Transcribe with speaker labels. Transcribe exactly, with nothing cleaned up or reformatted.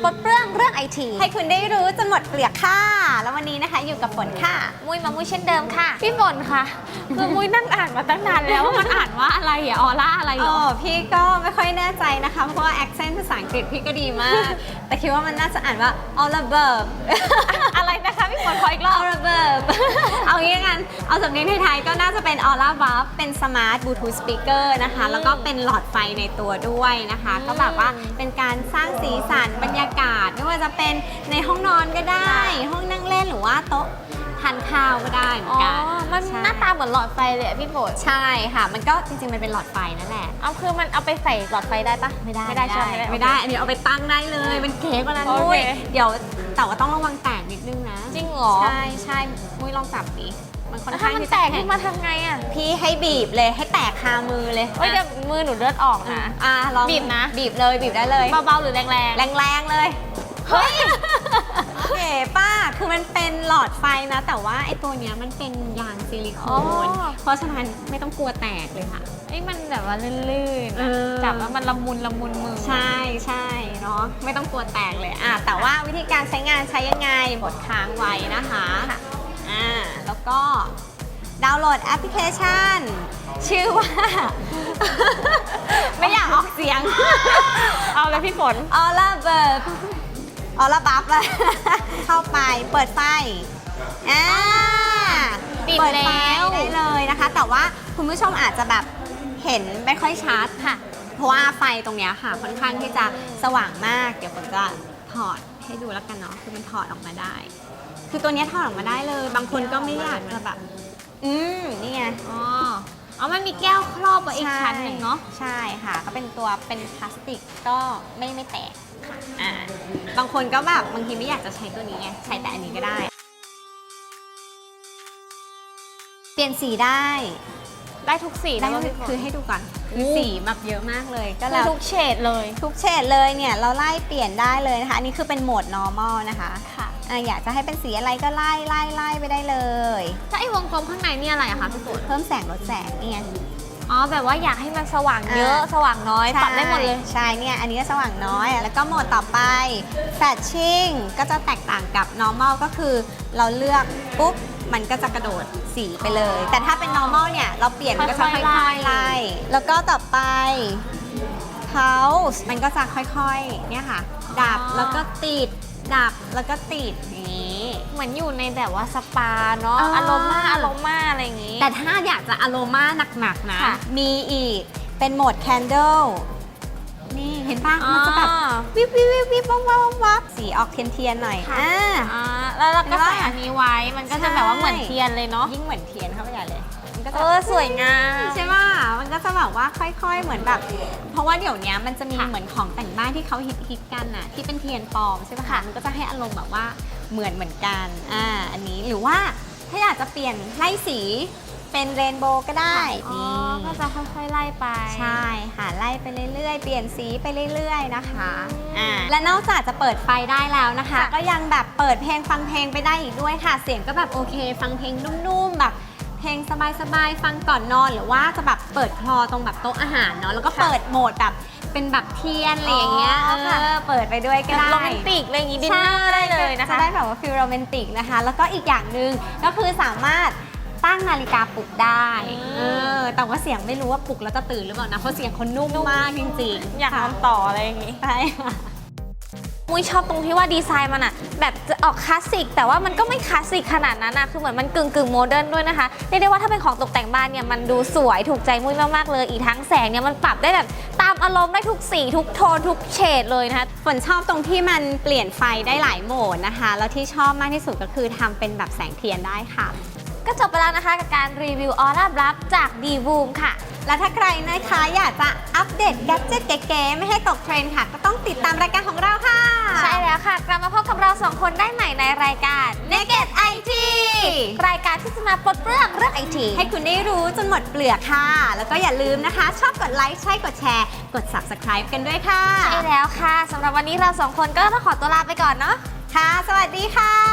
Speaker 1: ปลดเปลื้องเรื่องไอที
Speaker 2: ให้คุณได้รู้จนหมดเปลือกค่ะแล้ววันนี้นะคะอยู่กับฝนค่ะ
Speaker 1: มุ้ยมามุ้ยเช่นเดิมค่ะพี่ฝนค่ะคือมุ้ยนั่งอ่านมาตั้งนานแล้วว่ามันอ่านว่าอะไรอะออร่าอะไรหรอ
Speaker 2: อ๋อพี่ก็ไม่ค่อยแน่ใจนะคะเพราะว่า accent ภาษาอังกฤษพี่ก็ดีมาก แต่คิดว่ามันน่าจะอ่านว่า all above
Speaker 1: อะไรนะคะพี่ฝนขออีกรอบ
Speaker 2: all above เอางี้กันเอาสำเนียงไทยๆก็น่าจะเป็น all above เป็น smart bluetooth speaker นะคะแล้วก็เป็นหลอดไฟในตัวด้วยนะคะก็แบบว่าเป็นการสร้างสีสันบรรยากาศไม่ว่าจะเป็นในห้องนอนก็ได้ ห้องนั่งเล่นหรือว่าโต๊ะทานข้าวก็ได้เหมือนกัน
Speaker 1: อ๋อมันหน้าตาเหมือนหลอดไฟเลยอะพี่ฝน
Speaker 2: ใช่ค่ะมันก็จริงๆมันเป็นหลอดไฟนั่นแหละ
Speaker 1: เอาคือมันเอาไปใส่หลอดไฟได้ปะไม่ได้
Speaker 2: ไม่ได้ใช่ไหมไม่ได้อันนี้เอาไปตั้งได้เลยมันเก๋กว่านั้นด้วยเดี๋ยวแต่ว่าต้องระวังแตกนิดนึงนะ
Speaker 1: จริงเหรอ
Speaker 2: ใช่ใช่มุ้ยลองจับดิมันค่อน
Speaker 1: แล้ว
Speaker 2: ข้า
Speaker 1: ถ้าง มัน
Speaker 2: ที่
Speaker 1: แต
Speaker 2: จะ
Speaker 1: กขึ้นมาทำไงอะ
Speaker 2: พี่ให้บีบเลยให้แตกคามือเลย
Speaker 1: เฮ้ยเดี๋ยวมือหนูเลือดออกนะ
Speaker 2: อ่ะลอง
Speaker 1: บีบนะ
Speaker 2: บีบเลยบีบได้เลย
Speaker 1: เบาๆหรือแรงๆ
Speaker 2: แรงๆเลยเฮ้ยเก๋ป้าคือมันเป็นหลอดไฟนะ แต่ว่าไอ้ตัวเนี้ยมันเป็นยางซิลิโคนเพราะฉะนั้นไม่ต้องกลัวแตกเลยค่ะ
Speaker 1: ไอ้มันแบบว่าลื่นๆ
Speaker 2: เอ
Speaker 1: อะ
Speaker 2: อ
Speaker 1: จับแล้วมันละมุนละมุนมือ
Speaker 2: ใช่ใช่เนาะไม่ต้องกลัวแตกเลยอ่ะแต่ว่าวิธีการใช้งานใช้ยังไงกดค้างไว้นะคะอ่าแล้วก็ดาวน์โหลดแอปพลิเคชัน ชื่อว่า ไม่อยากออกเสียง
Speaker 1: เอาเลยพี่ฝน
Speaker 2: ออล่าเบิร์ออล่าบัฟเลย เข้าไปเปิดไฟอ่า
Speaker 1: ปิด
Speaker 2: เปิดไฟ
Speaker 1: แล้ว
Speaker 2: ได้เลยนะคะ แต่ว่าคุณผู้ชมอาจจะแบบเห็นไม่ค่อยชัด
Speaker 1: ค่ะ
Speaker 2: เพราะว่าไฟตรงเนี้ยค่ะค่อนข้างที่จะสว่างมาก เดี๋ยวผมจะถอดให้ดูแล้วกันเนาะคือมันถอดออกมาได้ คือตัวเนี้ยถอดออกมาได้เลย บางคนก็ไม่อยากจะแบบ อืมนี่ไง
Speaker 1: อ๋อเอามันมีแก้วครอบไว้อีกชั้นหนึ่งเนาะ
Speaker 2: ใช่ค่ะก็เป็นตัวเป็นพลาสติกก็ไม่ไม่แตกค่ะอ่าบางคนก็แบบบางทีไม่อยากจะใช้ตัวนี้ไงใช้แต่อันนี้ก็ได้ เปลี่ยนสีได้
Speaker 1: ได้ทุกสี
Speaker 2: ได้
Speaker 1: แล้วพี่ฝน
Speaker 2: คือให้ดูก่อนคือ
Speaker 1: โอ้
Speaker 2: สีแบบเยอะมากเลยก็
Speaker 1: คือ
Speaker 2: แล้ว
Speaker 1: ทุกเฉดเลย
Speaker 2: ทุกเฉดเลยเนี่ยเราไล่เปลี่ยนได้เลยนะคะ อันนี้คือเป็นโหมด normal นะคะ
Speaker 1: ค่ะ
Speaker 2: อ่ะอยากจะให้เป็นสีอะไรก็ไล่ไล่ไล่ไปได้เลย
Speaker 1: ถ้าไอ้วงกลมข้างในนี่อะไรอะคะพี่ฝน
Speaker 2: เพิ่มแสงลดแสงเนี่ย
Speaker 1: อ๋อแบบว่าอยากให้มันสว่างเยอะ
Speaker 2: อ่า
Speaker 1: สว่างน้อยปรับได้หมดเลย
Speaker 2: ใช่เนี่ยอันนี้ก็สว่างน้อยอ่ะแล้วก็โหมดต่อไป Flashing ก็จะแตกต่างกับ normal ก็คือเราเลือกปุ๊บมันก็จะกระโดดสีไปเลย แต่ถ้าเป็น normal เนี่ยเราเปลี่ยนมันก็จะ
Speaker 1: ค่
Speaker 2: ค่
Speaker 1: อ
Speaker 2: อย
Speaker 1: ๆไล่
Speaker 2: ยๆไล่แล้วก็ต่อไป Pulse มันก็จะค่อยๆเนี่ยค่ะดับแล้วก็ติดดับแล้วก็ติดอย่างนี้
Speaker 1: เหมือนอยู่ในแบบว่าสปาเนาะ
Speaker 2: อ่า
Speaker 1: อารมาอารมาอะไรอย่างงี้
Speaker 2: แต่ถ้าอยากจะอโรมาหนักๆนะ
Speaker 1: ค่ะ
Speaker 2: มีอีกเป็นโหมด Candle นี่เห็นป่ะ
Speaker 1: อ๋อ
Speaker 2: มันจะแบบวิบวิบวิบวิบวับวับวับวับสีออกเทียนๆหน่อย
Speaker 1: ค่ะ
Speaker 2: อ่า
Speaker 1: อ่าแล้วเราก็
Speaker 2: เห็นปะ
Speaker 1: ใส่อันนี้ไว้ มันก็จะ
Speaker 2: ใช่
Speaker 1: แบบว่าเหมือนเทียนเลยเนาะ
Speaker 2: ยิ่งเหมือนเทียนเข้าไปใหญ่เลยมันก็
Speaker 1: เอ
Speaker 2: จะ
Speaker 1: อสวยงาม
Speaker 2: ใช่ป่ะมันก็จะแบบว่าค่อยๆ เหมือนแบบ เพราะว่าเดี๋ยวนี้มันจะมี
Speaker 1: ค่ะ
Speaker 2: เหมือนของแต่งบ้านที่เขาฮิตๆกันน่ะที่เป็นเทียนปลอมใช่ป่ะคะมันก็จะให้อารมณ์แบบว่าเหมือนเหมือนกันอ่าอันนี้หรือว่าถ้าอยากจะเปลี่ยนไล่สีเป็นเรนโบว์ก็ได้
Speaker 1: อ๋อ
Speaker 2: นี่
Speaker 1: ก็จะค่อยๆไล่ไป
Speaker 2: ใช่ค่ะไล่ไปเรื่อยๆ เปลี่ยนสีไปเรื่อยๆนะคะอ่าและนอกจากจะเปิดไฟได้แล้วนะคะ
Speaker 1: ค่ะ
Speaker 2: ก็ยังแบบเปิดเพลงฟังเพลงไปได้อีกด้วยค่ะ เสียงก็แบบโอเค ฟังเพลงนุ่มๆแบบเพลงสบายๆฟังก่อนนอนหรือว่าจะแบบเปิดคลอตรงแบบโต๊ะอาหารเนาะแล้วก็เปิดโหมดแบบเป็นแบบเทียนอะไรอย่างเงี้ย
Speaker 1: อ๋อค่ะ
Speaker 2: เออเปิดไปด้วยก็ได้
Speaker 1: โรแมนติกอะไรอย่างงี้ดินเนอร์ได้เลยนะคะ
Speaker 2: จะได้แบบว่าฟิลโรแมนติกนะคะ แล้วก็อีกอย่างหนึ่งก็คือสามารถตั้งนาฬิกาปลุกได้
Speaker 1: อืม
Speaker 2: เออแต่ว่าเสียงไม่รู้ว่าปลุกแล้วจะตื่นหรือเปล่านะเพราะเสียงเขานุ่มมากจริงๆ
Speaker 1: อยากนอนต่ออะไรอย่างงี้
Speaker 2: ใช่ค่ะ
Speaker 1: มุ้ยชอบตรงที่ว่าดีไซน์มันอะแบบจะออกคลาสสิกแต่ว่ามันก็ไม่คลาสสิกขนาดนั้นนะคือเหมือนมันกึ่งกึ่งโมเดิร์นด้วยนะคะเรียกได้ว่าถ้าเป็นของตกแต่งบ้านเนี่ยมันดูสวยถูกใจมุ้ยมากๆเลยอีกทั้งแสงเนี่ยมันปรับได้แบบตามอารมณ์ได้ทุกสีทุกโทนทุกเฉดเลยนะคะ
Speaker 2: ฝนชอบตรงที่มันเปลี่ยนไฟได้หลายโหมดนะคะ แล้วที่ชอบมากที่สุดก็คือทำเป็นแบบแสงเทียนได้ค่ะ
Speaker 1: ก็จบไปแล้วนะคะกับการรีวิวออร่าบลับจาก D-Voom ค่ะ
Speaker 2: และถ้าใครนะคะอยากจะอัปเดตแกดเจ็ตเก๋ๆไม่ให้ตกเทรนด์ค่ะ ก็ต้องติดตามรายการของเราค่ะ
Speaker 1: ใช่แล้วค่ะ กลับมาพบกับเราสองคนได้ใหม่ในรายการ
Speaker 2: Naked ไอ ที
Speaker 1: รายการที่จะมาปลดเปลื้องเรื่องไอที
Speaker 2: ให้คุณได้รู้จนหมดเปลือกค่ะ แล้วก็อย่าลืมนะคะ ชอบกดไลค์ใช่กดแชร์ กด Subscribe กันด้วยค่ะ
Speaker 1: ใช่แล้วค่ะสำหรับวันนี้เราสองคนก็ต้องขอตัวลาไปก่อนเนาะ
Speaker 2: ค่ะ สวัสดีค่ะ